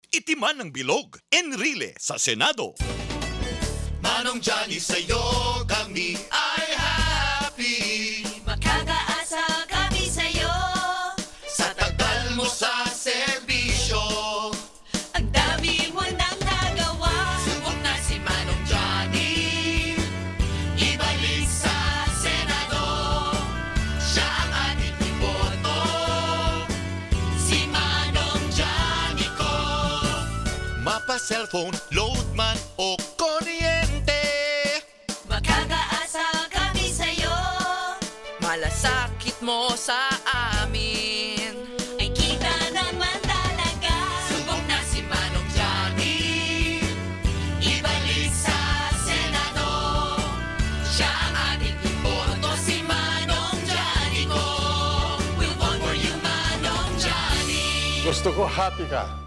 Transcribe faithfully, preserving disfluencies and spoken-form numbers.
itiman ng bilog. Enrile sa Senado. Manong Johnny, sa'yo kami ay happy. Makakaasa kami sa'yo. Sa tagal mo sa serbisyo, Ang dami mo nang nagawa. subok na si Manong Johnny. Ibalik sa Senado, siya ang ating iboto. Si Manong Johnny ko. Mapa, cellphone, load man o kuryente. Makakaasa kami sa'yo. Malasakit mo sa amin. Ay kita naman talaga. Subok na si Manong Johnny. Ibalik sa Senado, siya ang ating iboto. Si Manong Johnny ko. We'll vote for you, Manong Johnny. Gusto ko happy ka.